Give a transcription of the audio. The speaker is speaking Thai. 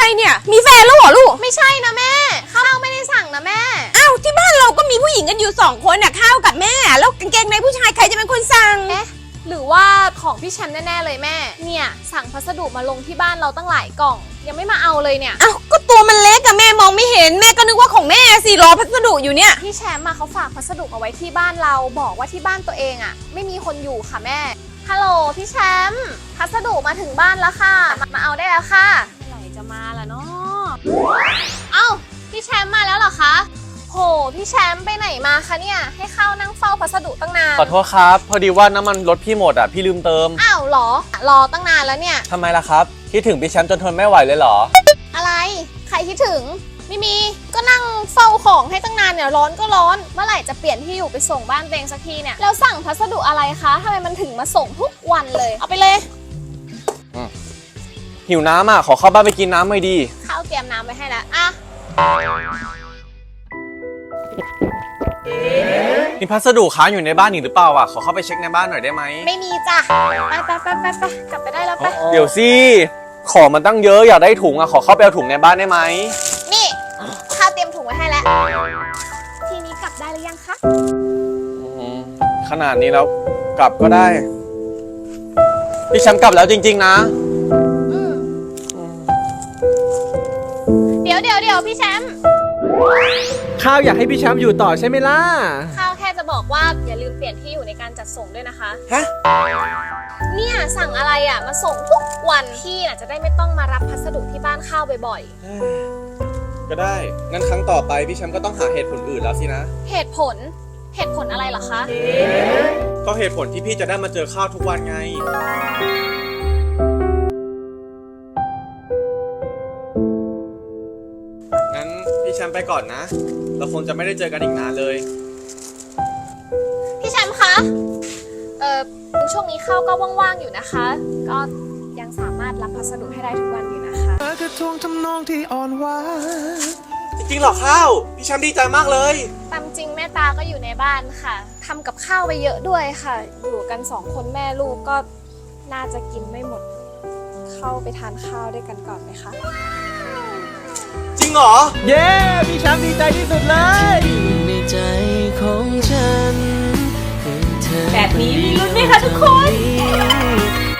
เนี่ยมีแฟนแล้วเหรอลูกไม่ใช่นะแม่ข้าวไม่ได้สั่งนะแม่อ้าวที่บ้านเราก็มีผู้หญิงกันอยู่2 คนน่ะข้าวกับแม่แล้วกางเกงในผู้ชายใครจะเป็นคนสั่งหรือว่าของพี่แชมป์แน่ๆเลยแม่เนี่ยสั่งพัสดุมาลงที่บ้านเราตั้งหลายกล่องยังไม่มาเอาเลยเนี่ยอ้าวก็ตัวมันเล็กอะแม่มองไม่เห็นแม่ก็นึกว่าของแม่สิรอพัสดุอยู่เนี่ยพี่แชมป์มาเขาฝากพัสดุเอาไว้ที่บ้านเราบอกว่าที่บ้านตัวเองอะไม่มีคนอยู่ค่ะแม่ฮัลโหลพี่แชมป์พัสดุมาถึงบ้านแล้วค่ะมาเอาได้แล้วค่ะเมื่อไหร่จะมาล่ะเนาะเอ้าพี่แชมป์มาแล้วเหรอคะโหพี่แชมป์ไปไหนมาคะเนี่ยให้เข้านั่งเฝ้าพัสดุตั้งนานขอโทษครับพอดีว่าน้ำมันรถพี่หมดอ่ะพี่ลืมเติมอ้าวเหรอรอตั้งนานแล้วเนี่ยทำไมล่ะครับคิดถึงพี่แชมป์จนทนไม่ไหวเลยเหรออะไรใครคิดถึงไม่มีก็นั่งเฝ้าของให้ตั้งนานเนี่ยร้อนก็ร้อนเมื่อไหร่จะเปลี่ยนที่อยู่ไปส่งบ้านตัวเองสักทีเนี่ยแล้วสั่งพัสดุอะไรคะทำไมมันถึงมาส่งทุกวันเลยเอาไปเลยหิวน้ำอ่ะขอเข้าบ้านไปกินน้ำหน่อยดีข้าวเตรียมน้ำไว้ให้แล้วอ่ะมีพัสดุค้างอยู่ในบ้านอีกหรือเปล่าอ่ะขอเข้าไปเช็คในบ้านหน่อยได้ไหมไม่มีจ้ะไปกลับไปได้แล้วไปเดี๋ยวสิของมันตั้งเยอะอยากได้ถุงอ่ะขอเข้าไปเอาถุงในบ้านได้ไหมนี่ข้าวเตรียมถุงไว้ให้แล้วทีนี้กลับได้หรือยังคะขนาดนี้แล้วกลับก็ได้พี่แชมป์กลับแล้วจริงๆนะเดี๋ยวพี่แชมป์ข้าวอยากให้พี่แชมป์อยู่ต่อใช่ไหมล่ะข้าวแค่จะบอกว่าอย่าลืมเปลี่ยนที่อยู่ในการจัดส่งด้วยนะคะฮะเนี่ยสั่งอะไรอ่ะมาส่งทุกวันพี่น่ะจะได้ไม่ต้องมารับพัสดุที่บ้านข้าวบ่อยก็ได้งั้นครั้งต่อไปพี่แชมป์ก็ต้องหาเหตุผลอื่นแล้วสินะเหตุผลอะไรเหรอคะก็เหตุผลที่พี่จะได้มาเจอข้าวทุกวันไงงั้นพี่แชมป์ไปก่อนนะเราคงจะไม่ได้เจอกันอีกนานเลยพี่แชมป์คะช่วงนี้ข้าวก็ว่างๆอยู่นะคะก็ยังสามารถรับพัสดุให้ได้ทุกวันอยู่นะคะกระทงทำนองที่อ่อนหวานจริงๆหรอข้าวพี่แชมป์ดีใจมากเลยตามจริงแม่ตาก็อยู่ในบ้านค่ะทำกับข้าวไปเยอะด้วยค่ะอยู่กัน2 คนแม่ลูกก็น่าจะกินไม่หมดเข้าไปทานข้าวด้วยกันก่อนไหมคะจริงเหรอเย้พี่แชมป์ดีใจที่สุดเลยในใจของฉันแบบนี้มีลุ้นไหมคะทุกคน